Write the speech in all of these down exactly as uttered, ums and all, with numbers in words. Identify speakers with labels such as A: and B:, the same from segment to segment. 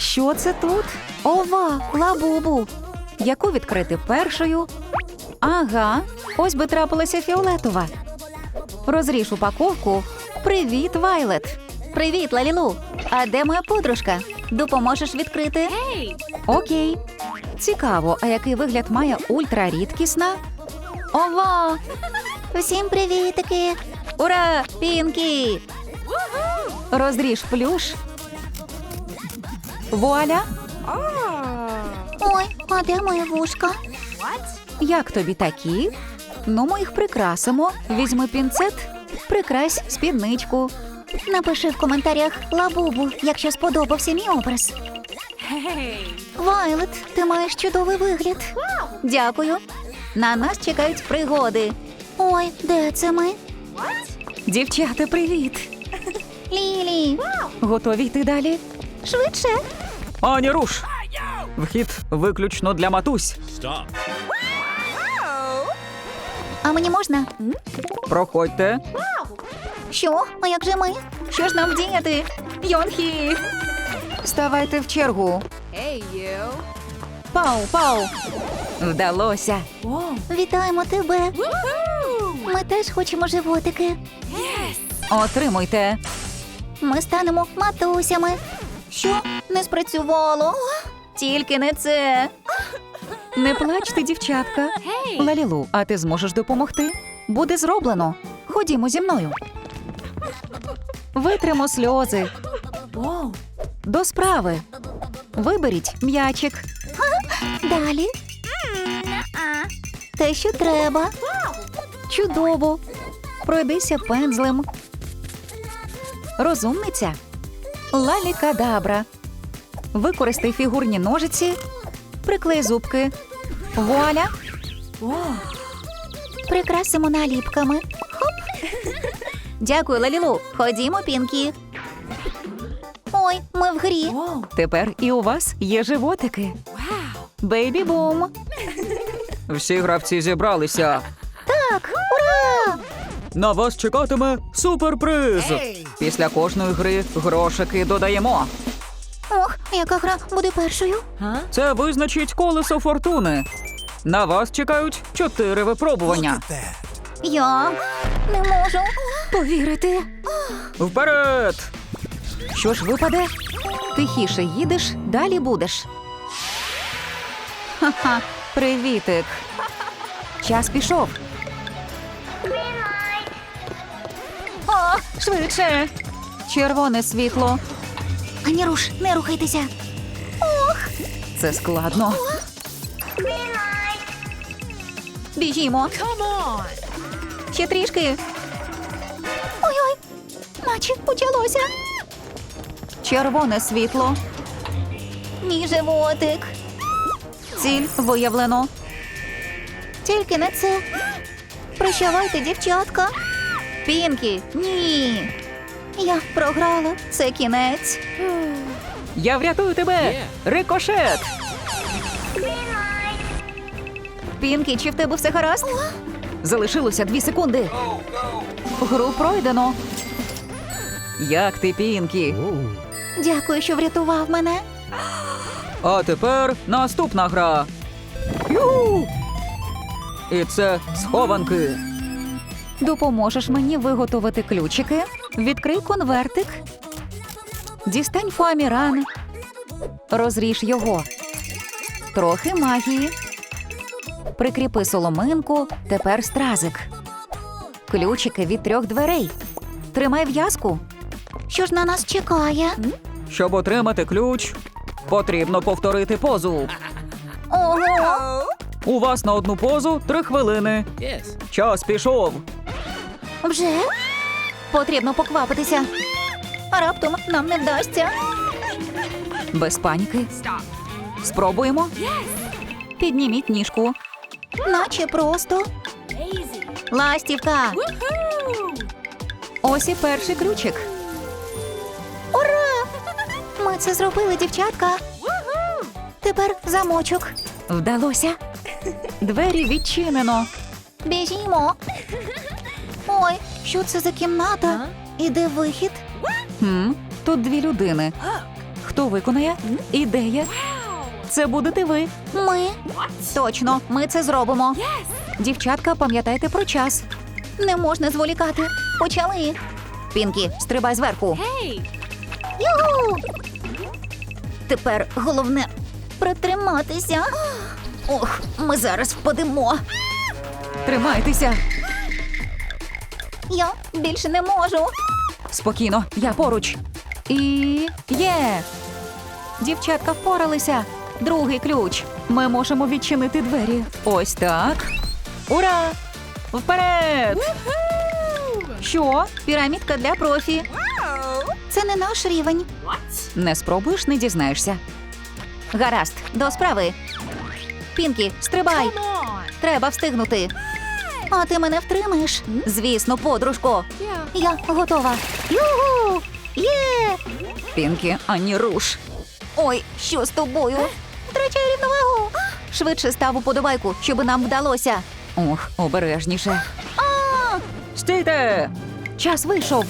A: Що це тут? Ова, лабубу. Яку відкрити першою? Ага, ось би трапилася фіолетова. Розріж упаковку. Привіт, Вайлет. Привіт, Лалілу. А де моя подружка? Допоможеш відкрити? Окей. Цікаво, а який вигляд має ультрарідкісна? Ова! Усім привітики! Ура! Пінкі! Розріж плюш. Вуаля!
B: Ой, а де моє вушка?
A: Як тобі такі? Ну, ми їх прикрасимо. Візьми пінцет, прикрась спідничку.
B: Напиши в коментарях лабубу, якщо сподобався мій образ. Вайлет, ти маєш чудовий вигляд.
A: Дякую. На нас чекають пригоди.
B: Ой, де це ми?
A: Дівчата, привіт!
B: Лілі.
A: Готові йти далі?
B: Швидше.
C: Ані руш! Вхід виключно для матусь.
B: А мені можна?
C: Проходьте.
B: Що? А як же ми?
A: Що ж нам діяти? Йонхі! Ставайте в чергу. Пау, пау! Вдалося.
B: Вітаємо тебе. Ми теж хочемо животики.
A: Отримуйте.
B: Ми станемо матусями. Що? Не спрацювало.
A: Тільки не це. Не плачте, дівчатка. Лалілу, а ти зможеш допомогти? Буде зроблено. Ходімо зі мною. Витримо сльози. До справи. Виберіть м'ячик.
B: Далі. Те, що треба.
A: Чудово. Пройдися пензлем. Розумниця. Лалікадабра. Використай фігурні ножиці. Приклей зубки. Вуаля.
B: Прикрасимо наліпками.
A: Дякую, Лалілу. Ходімо, Пінкі.
B: Ой, ми в грі.
A: Тепер і у вас є животики. Бейбі-бум.
C: Всі гравці зібралися.
B: Так, ура!
C: На вас чекатиме суперприз. Після кожної гри грошики додаємо.
B: Ох, яка гра буде першою?
C: Це визначить колесо фортуни. На вас чекають чотири випробування.
B: Я не можу
A: Повірити.
C: Вперед!
A: Що ж випаде? Тихіше їдеш, далі будеш. Ха-ха, привітик. Час пішов. О, швидше. Червоне світло.
B: Ані руш, не рухайтеся.
A: Це складно. Біжімо. Ще трішки.
B: Ой-ой, наче почалося.
A: Червоне світло.
B: Мій животик.
A: Ціль виявлено.
B: Тільки не це. Прощавайте, дівчатка.
A: Пінкі, ні.
B: Я програла.
A: Це кінець. Я врятую тебе. Рикошет. Пінкі, чи в тебе все гаразд? Залишилося дві секунди. Гру пройдено. Як ти, Пінкі?
B: Дякую, що врятував мене.
C: А тепер наступна гра. Ю! І це схованки.
A: Допоможеш мені виготовити ключики? Відкрий конвертик. Дістань фоаміран. Розріж його. Трохи магії. Прикріпи соломинку, тепер стразик. Ключики від трьох дверей. Тримай в'язку.
B: Що ж на нас чекає?
C: Щоб отримати ключ, потрібно повторити позу.
B: Ого!
C: У вас на одну позу три хвилини. Час пішов.
B: Вже?
A: Потрібно поквапитися.
B: А раптом нам не вдасться.
A: Без паніки. Спробуємо. Підніміть ніжку.
B: Наче просто.
A: Ластівка. Ось і перший ключик.
B: Ура! Ми це зробили, дівчатка. Тепер замочок.
A: Вдалося. Двері відчинено.
B: Біжімо. Ой, що це за кімната? І де вихід?
A: Хм, тут дві людини. Хто виконає? Ідея. Це будете ви.
B: Ми.
A: Точно, ми це зробимо. Дівчатка, пам'ятайте про час.
B: Не можна зволікати. Почали.
A: Пінкі, стрибай зверху.
B: Юху! Тепер головне притриматися. Ох, ми зараз впадемо.
A: Тримайтеся.
B: Я більше не можу.
A: Спокійно, я поруч. І є. Дівчатка впоралися. Другий ключ. Ми можемо відчинити двері. Ось так. Ура! Вперед! Що?
B: Пірамідка для профі. Це не наш рівень.
A: Не спробуєш, не дізнаєшся.
B: Гаразд, до справи. Пінкі, стрибай. Треба встигнути. А ти мене втримаєш?
A: Звісно, подружко.
B: Я готова. Югу! Є!
A: Пінкі, ані руш.
B: Ой, що з тобою? Втрачаю рівновагу. Швидше став уподобайку, щоб нам вдалося.
A: Ох, обережніше.
B: А!
A: Стійте! Час вийшов.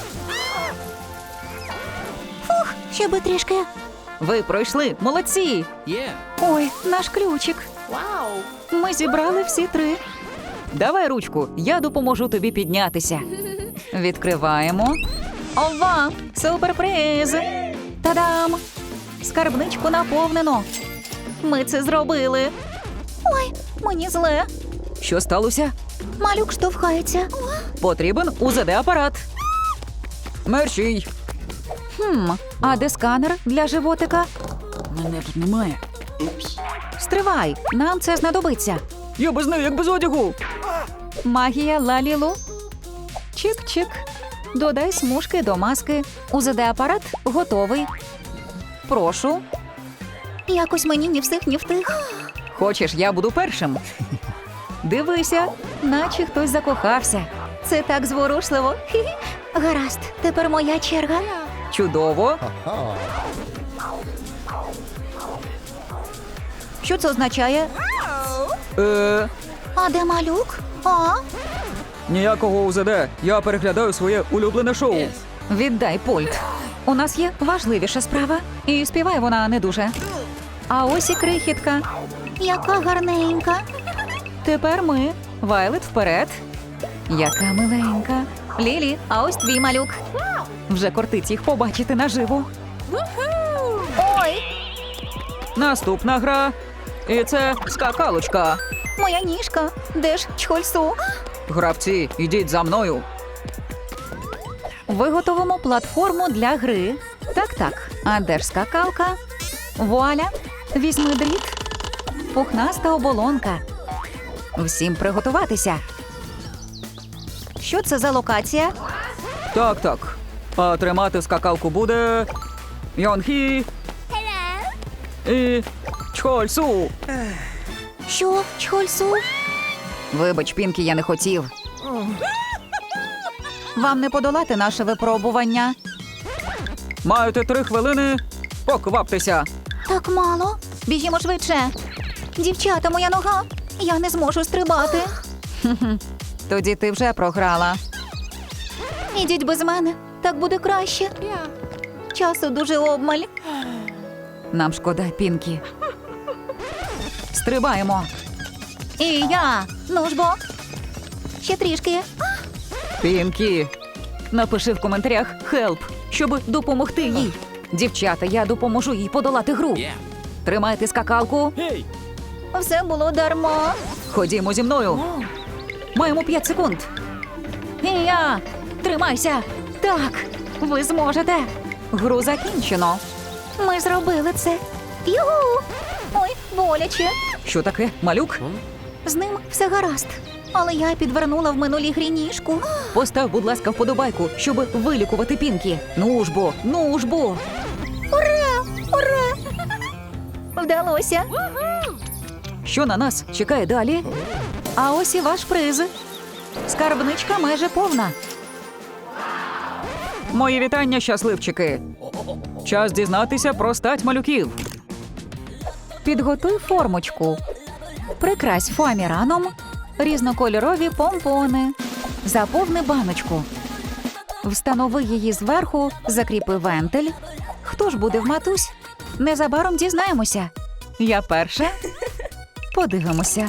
B: Фух, ще би трішки.
A: Ви пройшли. Молодці! Ой, наш ключик. Вау! Ми зібрали всі три. Давай ручку, я допоможу тобі піднятися. Відкриваємо. Ова! Суперприз! Та-дам! Скарбничку наповнено. Ми це зробили.
B: Ой, мені зле.
A: Що сталося?
B: Малюк штовхається.
A: Потрібен УЗД-апарат. Мерщій. Хм, а де сканер для животика? Мене тут немає. Стривай, нам це знадобиться. Я без неї, як без одягу. Магія Лалілу. Чик-чик. Додай смужки до маски. УЗД-апарат готовий. Прошу.
B: Якось мені ні всіх, ні втих.
A: Хочеш, я буду першим? Дивися, наче хтось закохався.
B: Це так зворушливо. Хі-хі. Гаразд, тепер моя черга.
A: Чудово. Що це означає? Е,
B: А де малюк? А?
C: Ніякого УЗД. Я переглядаю своє улюблене шоу.
A: Віддай пульт. У нас є важливіша справа. І співає вона не дуже. А ось і крихітка.
B: Яка гарненька.
A: Тепер ми. Вайлет вперед. Яка миленька. Лілі, а ось твій малюк. Вже кортить їх побачити наживо.
B: Ой,
A: Наступна гра. І це скакалочка.
B: моя ніжка. Де ж чхольсу?
A: Гравці, ідіть за мною. Виготовимо платформу для гри. Так-так. А де ж скакалка? Вуаля. Візьми дріт. Пухнаста оболонка. Всім приготуватися. Що це за локація?
C: Так, так. А тримати скакалку буде Йонхі і Чхольсу.
B: Що, чхольсу?
A: Вибач, Пінкі, я не хотів. Вам не подолати наше випробування.
C: Маєте три хвилини. Покваптеся.
B: Так мало. Біжімо швидше. Дівчата, моя нога. Я не зможу стрибати.
A: Тоді ти вже програла.
B: Ідіть без мене. Так буде краще. Часу дуже обмаль.
A: Нам шкода, Пінкі. Стрибаємо.
B: І я. Ну ж бо. Ще трішки.
A: Пінкі. Напиши в коментарях «Хелп», щоб допомогти їй. Дівчата, я допоможу їй подолати гру. Тримайте скакалку.
B: Все було дарма.
A: Ходімо зі мною. Маємо п'ять секунд. І я. Тримайся. Так, ви зможете. Гру закінчено.
B: Ми зробили це. Югу! Ой, боляче.
A: Що таке, малюк?
B: З ним все гаразд. Але я підвернула в минулій грі ніжку.
A: Постав, будь ласка, вподобайку, щоб вилікувати Пінкі. Ну ж бо, ну ж бо.
B: Ура! Ура! Вдалося.
A: Що на нас чекає далі? А ось і ваш приз. Скарбничка майже повна.
C: Мої вітання, щасливчики. Час дізнатися про стать малюків.
A: Підготуй формочку. Прикрась фоаміраном. Різнокольорові помпони. Заповни баночку. Встанови її зверху, закріпи вентиль. Хто ж буде в матусь? Незабаром дізнаємося. Я перша. Подивимося.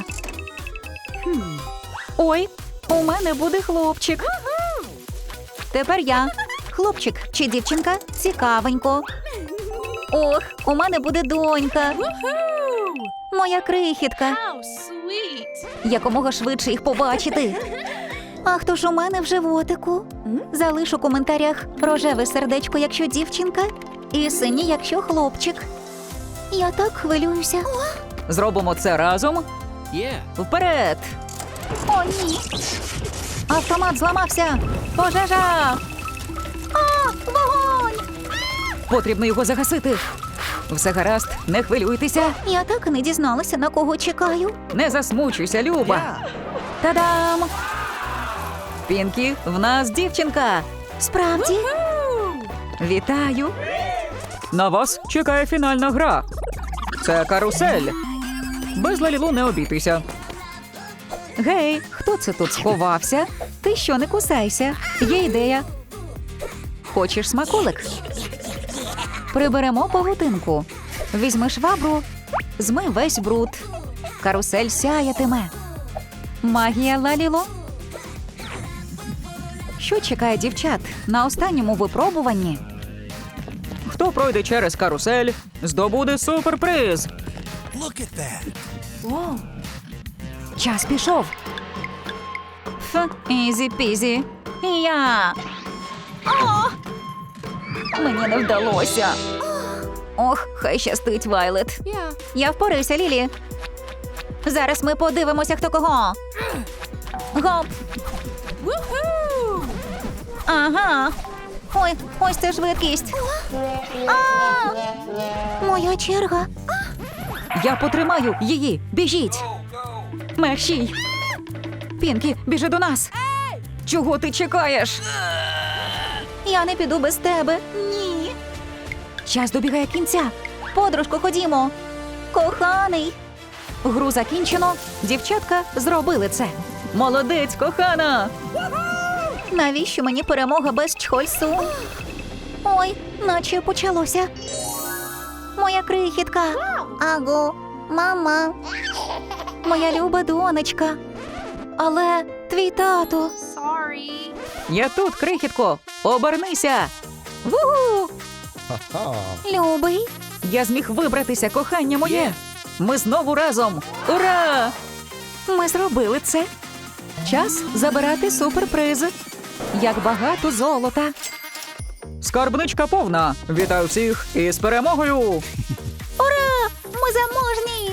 A: Ой, у мене буде хлопчик.
B: Тепер я. Хлопчик чи дівчинка? Цікавенько. Ох, у мене буде донька. Моя крихітка. Якомога швидше їх побачити. А хто ж у мене в животику? Залиш у коментарях рожеве сердечко, якщо дівчинка, і синій, якщо хлопчик. Я так хвилююся.
A: Зробимо це разом. Вперед!
B: О, ні.
A: Автомат зламався! Пожежа!
B: А, вогонь!
A: Потрібно його загасити. Все гаразд, не хвилюйтеся.
B: Я так і не дізналася, на кого чекаю.
A: Не засмучуйся, Люба. Та-дам! Пінкі, в нас дівчинка.
B: Справді?
A: Вітаю!
C: На вас чекає фінальна гра. Це карусель. Без Лалілу не обійтися.
A: Гей, хто це тут сховався? Ти що, не кусайся? Є ідея. Хочеш смаколик? Приберемо павутинку. Візьми швабру, змий весь бруд. Карусель сяятиме. Магія Лаліло. Що чекає дівчат на останньому випробуванні?
C: Хто пройде через карусель, здобуде суперприз.
A: Час пішов. Ф, ізі-пізі. Я. О! Мені не вдалося. Ох, хай щастить, Вайлет.
B: Я впораюся, Лілі. Зараз ми подивимося, хто кого. Гоп. Ага. Ой, ось це швидкість. А! Моя черга.
A: Я потримаю її. Біжіть. Мерщій. Пінкі, біжи до нас. Чого ти чекаєш?
B: Я не піду без тебе. Ні.
A: Час добігає кінця.
B: Подружко, ходімо. Коханий.
A: Гру закінчено. Дівчатка зробили це. Молодець, кохана!
B: Навіщо мені перемога без чхольсу? Ой, наче почалося. Моя крихітка. Аго, мама. Моя люба донечка. Але твій тато.
A: Я тут, крихітко. Обернися. Ву-гу!
B: Любий.
A: Я зміг вибратися, кохання моє. Ми знову разом. Ура! Ми зробили це. Час забирати суперприз. Як багато золота.
C: Скарбничка повна. Вітаю всіх із перемогою.
B: Ура! Ми заможні!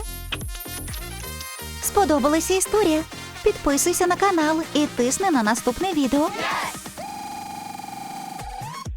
B: Сподобалася історія? Підписуйся на канал і тисни на наступне відео.